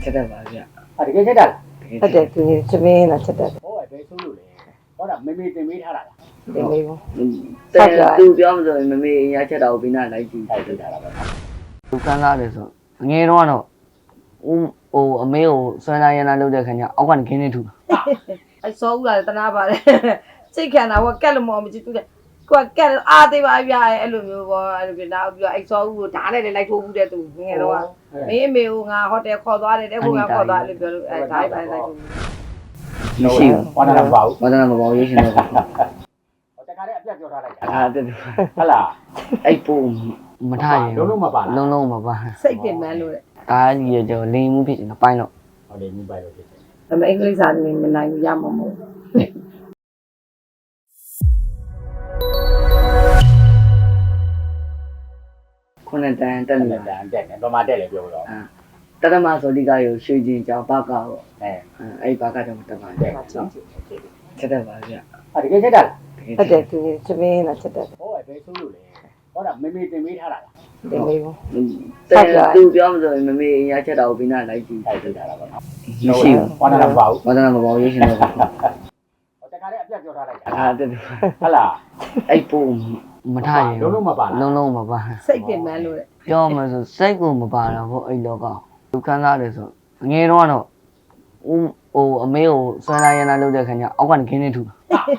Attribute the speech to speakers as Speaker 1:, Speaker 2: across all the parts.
Speaker 1: ချက်တတ်ပါဗျ
Speaker 2: တကယ်ချက်တာလား
Speaker 1: ဟုတ်တယ်သူသမင်းလာချက်တတ်
Speaker 2: ဟောဘယ်ဆိုးလို့လဲဟောတာမေမေတင်ပေးထားတာလား
Speaker 1: တင်ပေးဘူး
Speaker 3: သူပြောမှဆိုရင်မမေအရာချက်တာကိုပြီးနာလိုက်ကြည့်
Speaker 2: တိုက်တာလား
Speaker 3: သူကန်းစားတယ်ဆိုငယ်တော့ဦးအမေကိုဆွမ်းသားရမ်းသားလုပ်တဲ့ခါကျအောက်ကနေခင်းနေထူ
Speaker 1: အဲ့စောဦးလာတနာပါတယ်စိတ်ခံတာဟိုကက်လို့မအောင်မကြည့်သူကိုကက်အားသေးပါဗျာအဲ့လိုမျိုးပေါ့အဲ့လိုပြနောက်ပြီးတော့အဲ့စောဦးကိုဓာတ်နဲ့လိုက်ထိုးဘူးတဲ့သူငယ်တော့မင်းအမေကိုငါဟိုတယ်ခေါ်သွားတယ်တဲ့ဟိုကခေါ်သွားလို့ပြောလို့အဲ့ဓာတ်ပိုင်းလိုက်ထိုး
Speaker 2: မရှိဘူးဝါဒနာမပါဘူး
Speaker 3: ဝါဒနာမပါဘူးရေးရှင်တော့
Speaker 2: ဟောတခါတည်းအပြတ်ပြောထားလိုက်တာ
Speaker 3: တက်
Speaker 2: ဟုတ်လား
Speaker 3: အဲ့ပို့မထားရင်
Speaker 2: လုံးမပါ
Speaker 3: လုံးမပါ
Speaker 1: စိတ်ပင်ပန်းလို့တဲ့
Speaker 3: ဒါကြီးရတော့လိန်မှုဖြစ်နေတာပိုင်းတော့
Speaker 2: ဟုတ်တယ်မြင်ပိုင်းလို့ဖြစ်တယ်
Speaker 1: ဒါပေမဲ့အင်္ဂလိပ်စာနေမနိုင်ဘူးရမှာမဟုတ်
Speaker 3: ခုနတန်တက်နေ
Speaker 2: တန်တက်နေဘာမှတက်လေပြောတော့
Speaker 3: တရမဆိုလိကရောရွှေချင်းကြောင်ဘာကောအဲ့ဘာကတော့တမန်တက်ချက်တတ်ပါဗျ
Speaker 2: တကယ်ချက်တာလား
Speaker 1: ဟုတ်တယ်သူသမင်းလာချက်တတ်
Speaker 2: ဟောဘယ်ဆိုးလို့လဲဟောတာမေမေတင်ပေးထားတာလား
Speaker 1: တင်ပေးဘူး
Speaker 3: သူပြောမှဆိုရင်မမေအရာချက်တာကိုပြီးနာလိုက်ကြည့်
Speaker 2: တိုက်တာလားပေါ့နော်မရှိဘူးဝါဒနာမပါဘူး
Speaker 3: ဝါဒနာမပါဘူးရေးရှင်တော့
Speaker 2: ဟောတခါတည်းအပြတ်ပြောထားလိုက်တာ
Speaker 3: တက်
Speaker 2: ဟုတ်လား
Speaker 3: အဲ့ပို့မထားရင်
Speaker 2: လုံးမပါ
Speaker 3: လုံးမပါ
Speaker 1: စိတ်ပင်ပန်းလို့တဲ့
Speaker 3: ပြောမှဆိုစိတ်ကိုမပါတော့ဘူးအဲ့လောကသူကန်းစားတယ်ဆိုငယ်တော့ဦးအမေကိုဆွမ်းသားရမ်းသားလုပ်တဲ့ခါကျအောက်ကနေခင်းနေထူ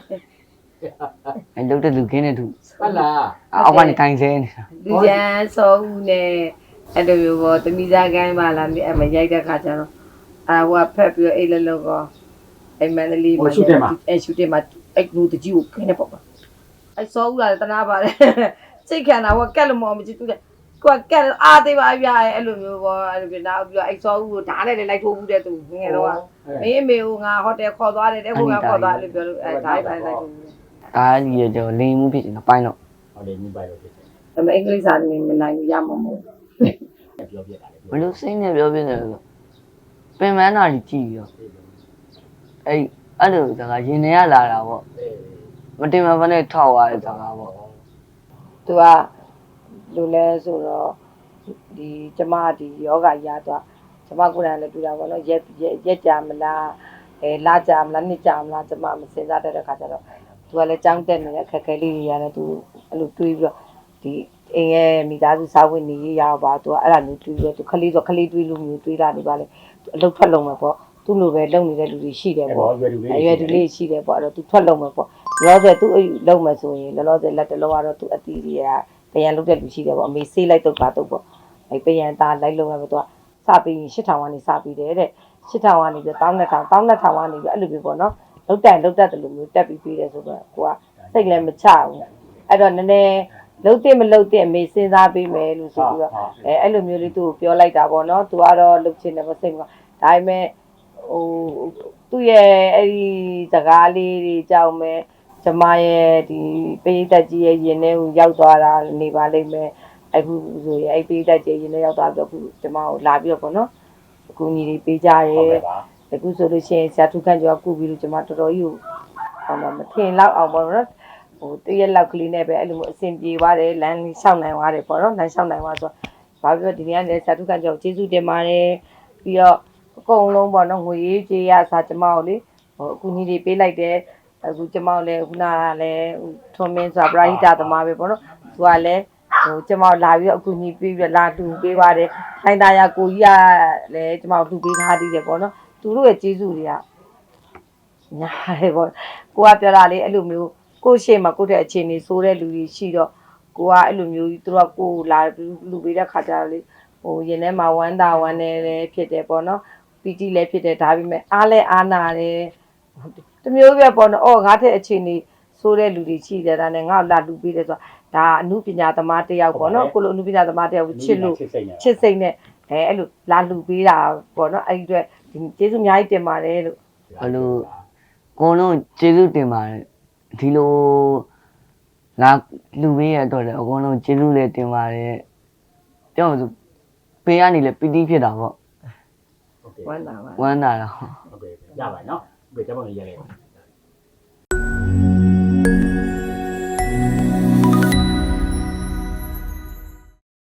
Speaker 3: အဲ့လုပ်တဲ့လူခင်းနေထူ
Speaker 2: ဟုတ်လား
Speaker 3: အောက်ကနေကင်ဆဲနေတာ
Speaker 1: လူကျန်စောဦးနဲ့အဲ့လိုမျိုးပေါ့တမိသားကိုင်းပါလာအဲ့မရိုက်တဲ့ခါကျတော့ဟိုကဖက်ပြီးအဲ့လည်းလို့ကောအဲ့မန္တလေးမှာရှူတင်မှာအဲ့လူတကြီးကိုခင်းနေပေါ့အဲ့စောဦးလာတနာပါတယ်စိတ်ခံတာဟိုကက်လို့မအောင်မကြည့်သူကိုကက်အားသေးပါဗျာအဲ့လိုမျိုးပေါ့အဲ့လိုပြနောက်ပြီးတော့အဲ့စောဦးကိုဓာတ်နဲ့လိုက်ထိုးဘူးတဲ့သူငယ်တော့မင်းအမေကိုငါဟိုတယ်ခေါ်သွားတယ်တဲ့ဟိုကခေါ်သွားလို့ပြောလို့အဲ့ဓာတ်ပိုင်းလိုက်ထိုးဘူး
Speaker 3: ဒါကြီးရတော့လိန်မှုဖြစ်နေတာပိုင်းတော့
Speaker 2: ဟုတ်တယ်မြင်ပိုင်းလို့ဖြစ်တယ်
Speaker 1: ဒါပေမဲ့အင်္ဂလိပ်စာနေမနိုင်ဘူးရမှာမဟုတ်
Speaker 2: ပြောပြတာလေ
Speaker 3: ဘလို့စိတ်နဲ့ပြောပြနေလို့ပင်မန်းတာကြီးကြည့်ရောအဲ့လိုစကားရင်ထဲကလာတာပေါ့မတင်မဖနဲ့ထောက်ရတဲ့စကားပေါ့
Speaker 1: သူကလူလဲဆိုတော့ဒီကျမဒီယောဂရသွားကျမကိုယ်တိုင်လည်းတွေ့တာပေါ့နော်ရက်ကြမလားလာကြမလားနှစ်ကြမလားကျမမစင်စားတတ်တဲ့ခါကျတော့သူကလည်းကြောင်းတက်နေတဲ့ခက်ခဲလေးတွေရတယ်သူအဲ့လိုတွေးပြီးတော့ဒီအိမ်ရဲ့မိသားစုစာဝင်နေရပါသူကအဲ့ဒါမျိုးတွေးပြီးတော့သူခလေးဆိုခလေးတွေးလို့မျိုးတွေးလာနေပါလေအလုပ်ထွက်လုံးမှာပေါ့သူ့လိုပဲလုံနေတဲ့လူတွေရှိတယ်ပေါ့အရွယ်တူလေးရှိတယ်ပေါ့အဲ့တော့သူထွက်လုံးမှာပေါ့လောလောဆယ်သူ့အိမ်လုံမှာဆိုရင်လောလောဆယ်လက်တလုံးကတော့သူအတီးတွေကပြန်လုတ်တဲ့လူရှိတယ်ပေါ့အမေဆေးလိုက်တော့ပါတော့ပေါ့အဲ့ပြန်သားလိုက်လုံးရမယ်သူကစပြီးရင်8000ကနေစပြီးတယ်တဲ့8000ကနေပြီး12000ကနေပြီးအဲ့လိုပဲပေါ့နော်လုတ်တတ်တယ်လို့မျိုးတက်ပြီးတယ်ဆိုတော့ကိုကစိတ်လည်းမချဘူးအဲ့တော့နည်းနည်းလုတ်တဲ့မလုတ်တဲ့အမေစဉ်းစားပေးမယ်လို့ဆိုပြီးတော့အဲ့လိုမျိုးလေးသူ့ကိုပြောလိုက်တာပေါ့နော်သူကတော့လုတ်ချင်တယ်မစိတ်ဘူးဒါပေမဲ့ဟိုသူ့ရဲ့အဲ့ဒီစကားလေးတွေကြောက်မယ်ကျမရဲ့ဒီပေးသက်ကြီးရဲ့ရင်ထဲကိုရောက်သွားတာနေပါလိမ့်မယ်အခုဆိုရင်အဲ့ပေးသက်ကြီးရင်ထဲရောက်သွားပြီးတော့အခုကျမကိုလာပြီးတော့ပေါ့နော်အခုညီတွေပေးကြရဲအခုဆိုလို့ရှိရင်ဆရာထုခန့်ကျော်ကကုပြီးလို့ကျမတော်တော်ကြီးကိုဟောမထင်လောက်အောင်ပေါ့နော်ဟိုတရက်လောက်ကလေးနဲ့ပဲအဲ့လိုမျိုးအဆင်ပြေသွားတယ်လမ်းလျှောက်နိုင်သွားတယ်ပေါ့နော်လမ်းလျှောက်နိုင်သွားဆိုဘာပြောဒီနေ့ကလည်းဆရာထုခန့်ကျော်ကျေးဇူးတင်ပါတယ်ပြီးတော့အကုန်လုံးပေါ့နော်ငွေရေးကြေးရစာကျမကိုလေဟိုအခုညီတွေပေးလိုက်တယ်အခုကျမလည်းခုနကလည်းထွန်မင်းဆိုတာပရိဟိတသမားပဲပေါ့နော်သူကလည်းဟိုကျမလာပြီးတော့အခုညီပြီးပြီးလာတူပေးပါတယ်ထိုင်သားရကိုကြီးကလည်းကျမတူပေးထားသေးတယ်ပေါ့နော်သူတို့ရဲ့ကျေးဇူးတွေကညာတယ်ပေါ့ကိုကပြောတာလေအဲ့လိုမျိုးကိုရှေ့မှာကိုတဲ့အခြေအနေဆိုးတဲ့လူတွေရှိတော့ကိုကအဲ့လိုမျိုးသူတို့ကကိုလာလူပေးတဲ့ခါကျတော့လေဟိုရင်ထဲမှာဝမ်းသာဝမ်းနေလည်းဖြစ်တယ်ပေါ့နော်ပီတိလည်းဖြစ်တယ်ဒါပေမဲ့အားလည်းအားနာတယ်တမျိုးပြပေါ့နော်ငါတဲ့အခြေအနေဆိုးတဲ့လူတွေရှိတယ်ဒါနဲ့ငါ့ကိုလာလူပေးတယ်ဆိုတာဒါအမှုပညာသမားတယောက်ပေါ့နော်ကိုလိုအမှုပညာသမားတယောက်ကိုချစ်လို့ချစ်စိတ်နဲ့အဲ့လိုလာလူပေးတာပေါ့နော်အဲ့ဒီအတွက်ကျေးဇူးအများကြီးတင်ပါတယ်လို့
Speaker 3: ဘလို့ကိုလုံးကျေးဇူးတင်ပါတယ်ဒီလိုလာလူပေးရတော့လေအကုန်လုံးကျေးဇူးလည်းတင်ပါတယ်ပြောမှဆိုပေးရနေလေပီတိဖြစ်တာပေါ့
Speaker 1: ဝမ်းသာပါ
Speaker 3: ဝမ်းသာတော့
Speaker 2: ဟုတ်ကဲ့ရပါနော်ဟုတ်ကဲ့ကျွန်တော်ရရလိုက်